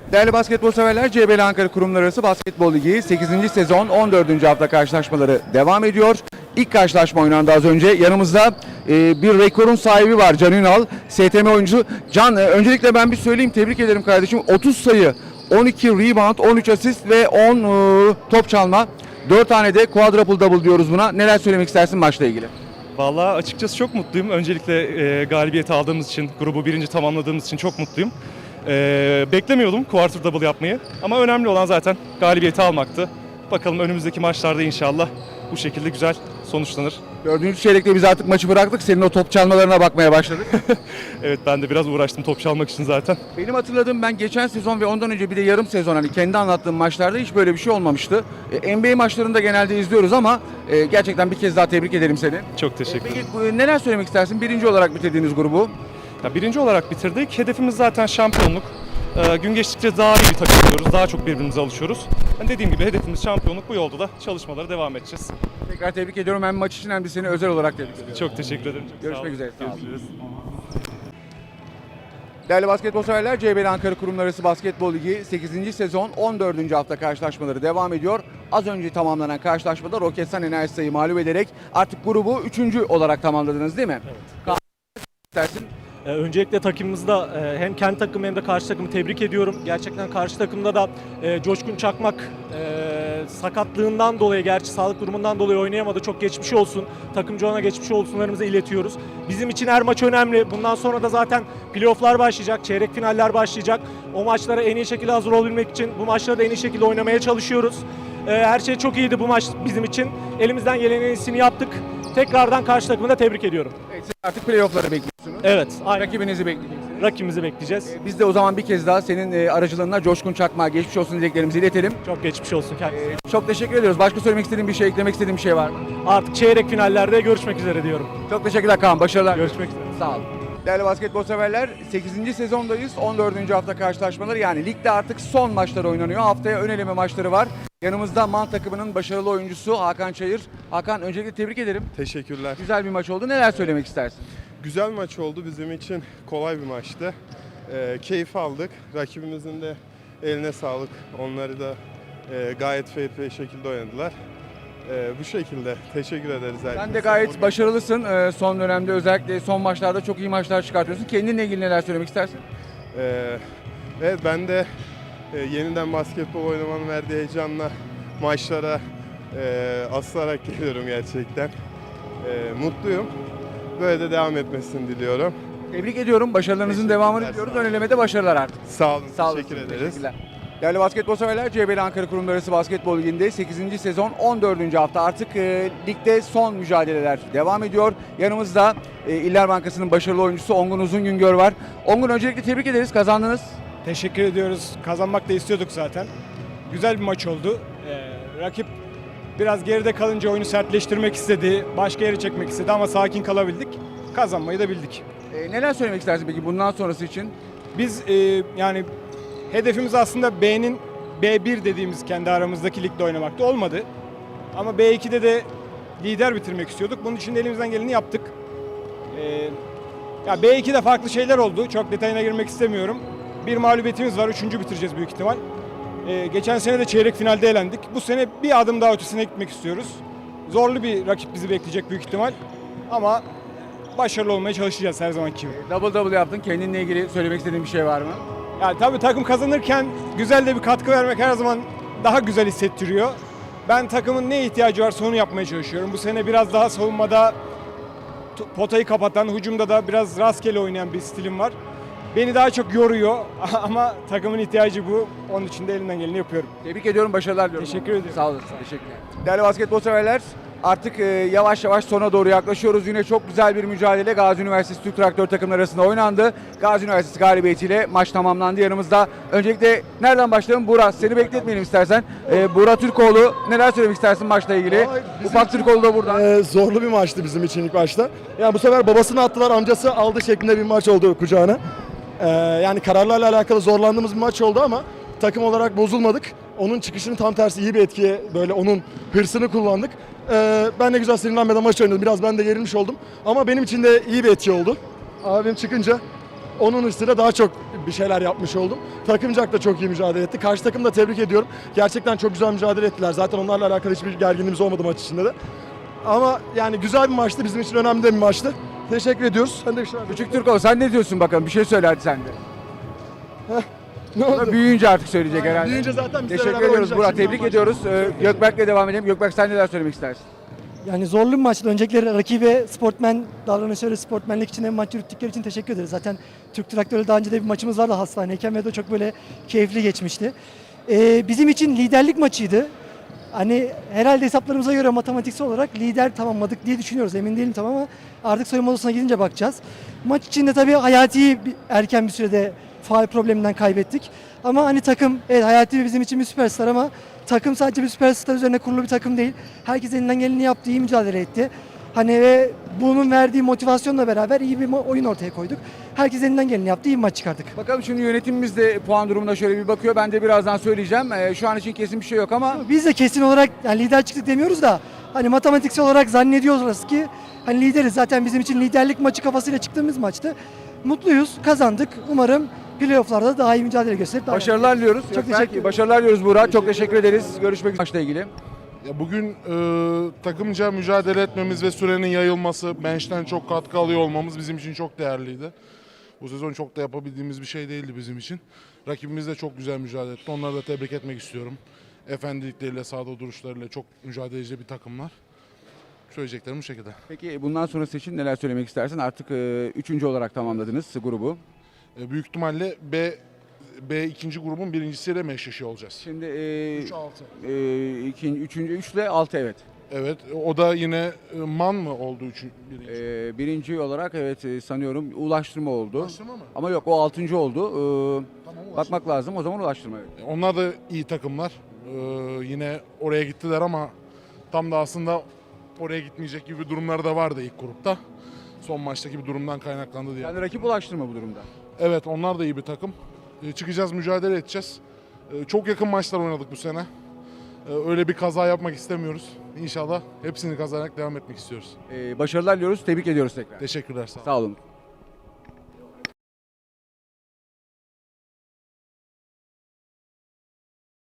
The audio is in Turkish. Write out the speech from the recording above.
Değerli basketbol severler, CBL Ankara Kurumlar Arası Basketbol Ligi 8. sezon 14. hafta karşılaşmaları devam ediyor. İlk karşılaşma oynandı az önce. Yanımızda bir rekorun sahibi var, Can Ünal, STM oyuncusu. Can, öncelikle ben bir söyleyeyim, tebrik ederim kardeşim. 30 sayı, 12 rebound, 13 asist ve 10 top çalma. 4 tane de quadruple double diyoruz buna. Neler söylemek istersin maçla ilgili? Vallahi açıkçası çok mutluyum. Öncelikle galibiyeti aldığımız için, grubu birinci tamamladığımız için çok mutluyum. Beklemiyordum quarter double yapmayı ama önemli olan zaten galibiyeti almaktı. Bakalım önümüzdeki maçlarda inşallah bu şekilde güzel sonuçlanır. 4. çeyrekte biz artık maçı bıraktık. Senin o top çalmalarına bakmaya başladık. Evet, ben de biraz uğraştım top çalmak için zaten. Benim hatırladığım, ben geçen sezon ve ondan önce bir de yarım sezon, hani kendi anlattığım maçlarda hiç böyle bir şey olmamıştı. NBA maçlarında genelde izliyoruz ama gerçekten bir kez daha tebrik ederim seni. Çok teşekkür ederim. Peki neler söylemek istersin? Birinci olarak bitirdiğiniz grubu. Ya, birinci olarak bitirdik. Hedefimiz zaten şampiyonluk. Gün geçtikçe daha iyi bir takım oluyoruz. Daha çok birbirimize alışıyoruz. Yani dediğim gibi hedefimiz şampiyonluk. Bu yolda da çalışmalara devam edeceğiz. Tekrar tebrik ediyorum, hem maç için hem de seni özel olarak tebrik ediyorum. Çok teşekkür ederim. Çok sağ Görüşmek olun. üzere. Sağ olun. Görüşürüz. Değerli basketbol severler, CBL Ankara Kurumlar Arası Basketbol Ligi 8. sezon 14. hafta karşılaşmaları devam ediyor. Az önce tamamlanan karşılaşmada Roketsan Enerjisa'yı mağlup ederek artık grubu 3. olarak tamamladınız değil mi? Evet. İstersin. Öncelikle takımımızda hem kendi takımı hem de karşı takımı tebrik ediyorum. Gerçekten karşı takımda da Coşkun Çakmak sakatlığından dolayı, gerçi sağlık durumundan dolayı oynayamadı. Çok geçmiş olsun. Takımcı ona geçmiş olsunlarımızı iletiyoruz. Bizim için her maç önemli. Bundan sonra da zaten playofflar başlayacak, çeyrek finaller başlayacak. O maçlara en iyi şekilde hazır olabilmek için bu maçları da en iyi şekilde oynamaya çalışıyoruz. Her şey çok iyiydi bu maç bizim için. Elimizden gelenin en iyisini yaptık. Tekrardan karşı takımı da tebrik ediyorum. Evet, siz artık playoff'ları bekliyorsunuz. Evet, aynen. Rakibinizi bekleyeceksiniz. Rakibimizi bekleyeceğiz. Biz de o zaman bir kez daha senin aracılığında Coşkun Çakmak'a geçmiş olsun dileklerimizi iletelim. Çok geçmiş olsun kendisine. Çok teşekkür ediyoruz. Başka söylemek istediğin bir şey, eklemek istediğin bir şey var mı? Artık çeyrek finallerde görüşmek üzere diyorum. Çok teşekkürler Kaan. Başarılar. Görüşmek üzere. Sağ olun. Değerli basketbol severler, 8. sezondayız. 14. hafta karşılaşmaları, yani ligde artık son maçlar oynanıyor. Haftaya ön eleme maçları var. Yanımızda MAN takımının başarılı oyuncusu Hakan Çayır. Hakan, öncelikle tebrik ederim. Teşekkürler. Güzel bir maç oldu. Neler söylemek istersin? Güzel maç oldu. Bizim için kolay bir maçtı. Keyif aldık. Rakibimizin de eline sağlık. Onları da gayet fair play şekilde oynadılar. Bu şekilde teşekkür ederiz herkese. Sen de gayet başarılısın. Son dönemde özellikle son maçlarda çok iyi maçlar çıkartıyorsun. Kendinle ilgili neler söylemek istersin? Evet, ben de yeniden basketbol oynamanın verdiği heyecanla maçlara asılarak geliyorum gerçekten. Mutluyum. Böyle de devam etmesini diliyorum. Tebrik ediyorum. Başarılarınızın devamını Teşekkürler, diliyoruz. sağ olun. Ön elemede başarılar artık. Sağ olun, Sağ olun. teşekkür ederiz. Teşekkürler. Değerli basketbol severler, CBL Ankara Kurumlar Arası Basketbol Ligi'nde 8. sezon 14. hafta artık ligde son mücadeleler devam ediyor. Yanımızda İller Bankası'nın başarılı oyuncusu Ongun Uzungüngör var. Ongun, öncelikle tebrik ederiz, kazandınız. Teşekkür ediyoruz. Kazanmak da istiyorduk zaten. Güzel bir maç oldu. Rakip biraz geride kalınca oyunu sertleştirmek istedi, başka yere çekmek istedi ama sakin kalabildik. Kazanmayı da bildik. Neler söylemek istersin peki bundan sonrası için? Biz yani hedefimiz aslında B'nin B1 dediğimiz kendi aramızdaki ligde oynamakta olmadı. Ama B2'de de lider bitirmek istiyorduk. Bunun için de elimizden geleni yaptık. Ya B2'de farklı şeyler oldu. Çok detayına girmek istemiyorum. Bir mağlubiyetimiz var. 3. bitireceğiz büyük ihtimal. Geçen sene de çeyrek finalde elendik. Bu sene bir adım daha ötesine gitmek istiyoruz. Zorlu bir rakip bizi bekleyecek büyük ihtimal. Ama başarılı olmaya çalışacağız her zamanki gibi. Double double yaptın. Kendinle ilgili söylemek istediğin bir şey var mı? Yani tabii takım kazanırken güzel de bir katkı vermek her zaman daha güzel hissettiriyor. Ben takımın ne ihtiyacı varsa onu yapmaya çalışıyorum. Bu sene biraz daha savunmada potayı kapatan, hücumda da biraz rastgele oynayan bir stilim var. Beni daha çok yoruyor ama takımın ihtiyacı bu. Onun için de elimden geleni yapıyorum. Tebrik ediyorum, başarılar diliyorum. Teşekkür ediyorum. Sağ olasın. Teşekkürler. Değerli basketbol severler, artık yavaş yavaş sona doğru yaklaşıyoruz. Yine çok güzel bir mücadele Gazi Üniversitesi Türk Traktör takımları arasında oynandı. Gazi Üniversitesi galibiyetiyle maç tamamlandı. Yanımızda öncelikle nereden başlayalım? Burak, seni bekletmeyelim istersen. Burak Türkoğlu, neler söylemek istersin maçla ilgili? Ufak Türkoğlu da burada. Zorlu bir maçtı bizim için ilk başta. Yani bu sefer babasını attılar, amcası aldı şeklinde bir maç oldu kucağına. Yani kararlarla alakalı zorlandığımız bir maç oldu ama takım olarak bozulmadık. Onun çıkışını tam tersi iyi bir etkiye, böyle onun hırsını kullandık. Ben de güzel sinirlenmeden maç oynadım. Biraz ben de gerilmiş oldum. Ama benim için de iyi bir etki oldu. Abim çıkınca onun üstüne daha çok bir şeyler yapmış oldum. Takımcak da çok iyi mücadele etti. Karşı takımı da tebrik ediyorum. Gerçekten çok güzel mücadele ettiler. Zaten onlarla alakalı hiçbir gerginliğimiz olmadı maç içinde de. Ama yani güzel bir maçtı. Bizim için önemli de bir maçtı. Teşekkür ediyoruz. Sen de bir şeyler... Küçük Türko sen ne diyorsun bakalım? Bir şey söyle hadi sen de. Ne oldu? Büyüyünce artık söyleyecek herhalde. Büyüyünce zaten bizle Teşekkür beraber ediyoruz oynayacak. Burak. Şimdi Tebrik maç- ediyoruz. Gökberk'le devam edelim. Gökberk sen neler söylemek istersin? Yani zorlu bir maçtı. Öncelikle rakibe sportmen davranışları, sportmenlik için hem maç yürüttükleri için teşekkür ederiz. Zaten Türk Traktör'le daha önce de bir maçımız vardı hastaneyken ve de çok böyle keyifli geçmişti. Bizim için liderlik maçıydı. Hani herhalde hesaplarımıza göre matematiksel olarak lider tamamladık diye düşünüyoruz. Emin değilim tam ama artık soyunma odasına gidince bakacağız. Maç içinde tabii Hayati'yi erken bir sürede faul probleminden kaybettik. Ama hani takım, evet Hayati bizim için bir süperstar ama takım sadece bir süperstar üzerine kurulu bir takım değil. Herkes elinden geleni yaptı, iyi mücadele etti. Hani ve bunun verdiği motivasyonla beraber iyi bir oyun ortaya koyduk. Herkes elinden geleni yaptı, iyi bir maç çıkardık. Bakalım şimdi yönetimimiz de puan durumuna şöyle bir bakıyor. Ben de birazdan söyleyeceğim. Şu an için kesin bir şey yok ama Biz de kesin olarak yani lider çıktık demiyoruz da hani matematiksel olarak zannediyoruz ki hani lideriz. Zaten bizim için liderlik maçı kafasıyla çıktığımız maçtı. Mutluyuz, kazandık. Umarım playoff'larda daha iyi mücadele gösterip daha başarılar diliyoruz. Çok Gökberk, teşekkür ederim. başarılar diliyoruz Burak. Çok teşekkür ederiz. Görüşmek üzere maçla ilgili. Ya bugün takımca mücadele etmemiz ve sürenin yayılması, bench'ten çok katkı alıyor olmamız bizim için çok değerliydi. Bu sezon çok da yapabildiğimiz bir şey değildi bizim için. Rakibimiz de çok güzel mücadele etti. Onları da tebrik etmek istiyorum. Efendilikleriyle, sahada duruşlarıyla çok mücadeleci bir takımlar. Söyleyeceklerim bu şekilde. Peki bundan sonrası için neler söylemek istersin? Artık 3. olarak tamamladınız grubu. Büyük ihtimalle B ikinci grubun birincisiyle meşleşiyor olacağız. Şimdi 3-6. 3. 3 ile 6 evet. Evet, o da yine man mı oldu birinci? Birinci olarak evet sanıyorum ulaştırma oldu. Ulaştırma mı? Ama yok o 6. oldu. Tamam, Bakmak lazım o zaman ulaştırma. Evet. Onlar da iyi takımlar. Yine oraya gittiler ama tam da aslında oraya gitmeyecek gibi durumları da vardı ilk grupta. Son maçtaki bir durumdan kaynaklandı diye. Yani rakip ulaştırma bu durumda. Evet, onlar da iyi bir takım. Çıkacağız, mücadele edeceğiz. Çok yakın maçlar oynadık bu sene. Öyle bir kaza yapmak istemiyoruz. İnşallah hepsini kazanarak devam etmek istiyoruz. Başarılar diliyoruz. Tebrik ediyoruz tekrar. Teşekkürler, sağ olun. Sağ olun.